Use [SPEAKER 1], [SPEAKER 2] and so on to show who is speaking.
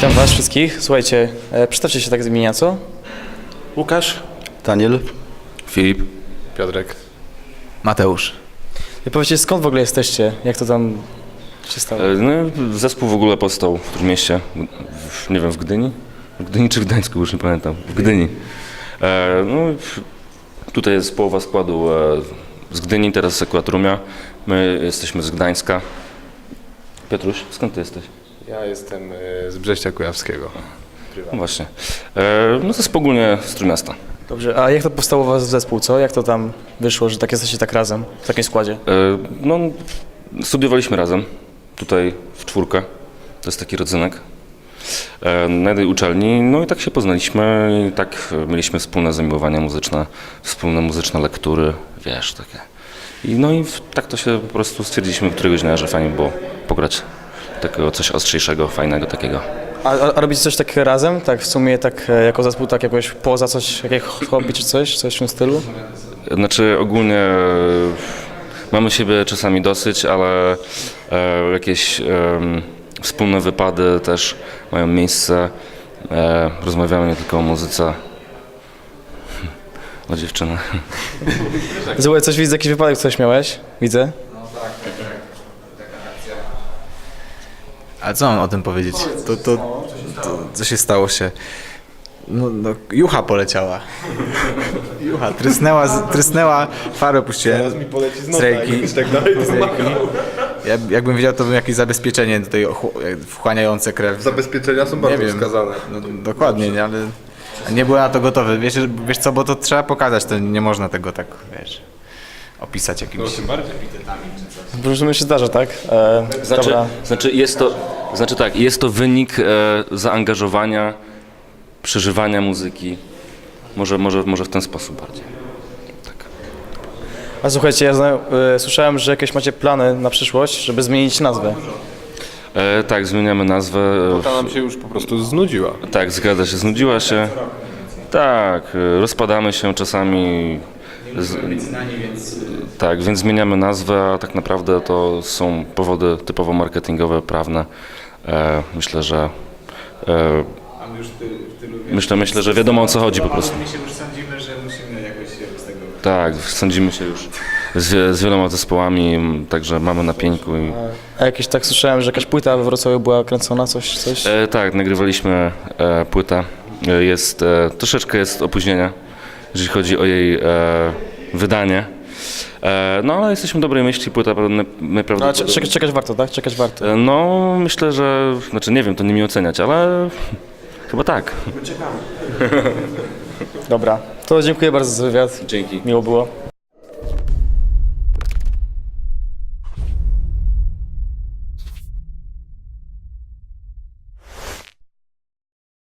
[SPEAKER 1] Witam was wszystkich. Słuchajcie, przedstawcie się tak z imienia, co?
[SPEAKER 2] Łukasz,
[SPEAKER 3] Daniel,
[SPEAKER 4] Filip.
[SPEAKER 2] Piotrek.
[SPEAKER 5] Mateusz.
[SPEAKER 1] I powiedzcie, skąd w ogóle jesteście? Jak to tam się stało?
[SPEAKER 4] No, zespół w ogóle powstał w Trójmieście, nie wiem, w Gdyni? W Gdyni czy w Gdańsku, już nie pamiętam. W Gdyni. Tutaj jest połowa składu z Gdyni, teraz akurat Rumia. My jesteśmy z Gdańska. Piotruś, skąd ty jesteś?
[SPEAKER 2] Ja jestem z Brześcia Kujawskiego.
[SPEAKER 4] No właśnie. No zespół ogólnie z Trójmiasta.
[SPEAKER 1] Dobrze, a jak to powstało u was zespół, co? Jak to tam wyszło, że tak jesteście tak razem, w takim składzie?
[SPEAKER 4] No, studiowaliśmy razem, tutaj w czwórkę. To jest taki rodzynek. Na jednej uczelni, no i tak się poznaliśmy i tak mieliśmy wspólne zamiłowania muzyczne, wspólne muzyczne lektury, wiesz, takie. Tak to się po prostu stwierdziliśmy któregoś dnia, że fajnie było pograć takiego coś ostrzejszego, fajnego takiego.
[SPEAKER 1] A robicie coś takiego razem? Tak w sumie tak jako zespół, tak jakoś poza coś, jakieś hobby czy coś w tym stylu?
[SPEAKER 4] Znaczy ogólnie mamy siebie czasami dosyć, ale jakieś wspólne wypady też mają miejsce. Rozmawiamy nie tylko o muzyce, o dziewczynach.
[SPEAKER 1] Słuchaj, coś widzę, jakiś wypadek coś miałeś? Widzę.
[SPEAKER 5] A co mam o tym powiedzieć? Co się stało się? No, jucha poleciała. Jucha, trysnęła, farę puściłem. Teraz mi poleci z ręki. Tak dalej, jakbym wiedział, to bym jakieś zabezpieczenie tutaj wchłaniające krew.
[SPEAKER 2] Zabezpieczenia są bardzo wskazane.
[SPEAKER 5] No, dokładnie, nie, ale nie byłem na to gotowy. Wiesz co, bo to trzeba pokazać, to nie można tego tak, wiesz, opisać jakimiś epitetami czy coś.
[SPEAKER 1] Różnie się zdarza, tak? Dobra.
[SPEAKER 4] Jest to wynik zaangażowania, przeżywania muzyki. Może w ten sposób bardziej.
[SPEAKER 1] A słuchajcie, słyszałem, że jakieś macie plany na przyszłość, żeby zmienić nazwę.
[SPEAKER 4] Tak, zmieniamy nazwę.
[SPEAKER 2] Ta nam się już po prostu znudziła.
[SPEAKER 4] Tak, zgadza się, znudziła się. Tak, rozpadamy się czasami. Tak, więc zmieniamy nazwę, a tak naprawdę to są powody typowo marketingowe, prawne. Myślę, że wiadomo o co chodzi po prostu.
[SPEAKER 5] My się już sądzimy, że musimy jakoś się z tego...
[SPEAKER 4] Tak, sądzimy się już z wieloma zespołami, także mamy na pieńku.
[SPEAKER 1] A jakieś tak słyszałem, że jakaś płyta we Wrocławiu była kręcona, coś?
[SPEAKER 4] Tak, nagrywaliśmy płytę. Troszeczkę jest opóźnienia, jeżeli chodzi o jej wydanie. No ale jesteśmy dobrej myśli, płyta najprawdopodobniej...
[SPEAKER 1] Czekać warto, tak? Czekać warto.
[SPEAKER 4] No myślę, że... Znaczy nie wiem, to nie mi oceniać, ale chyba tak.
[SPEAKER 1] Dobra, to dziękuję bardzo za wywiad.
[SPEAKER 4] Dzięki.
[SPEAKER 1] Miło było.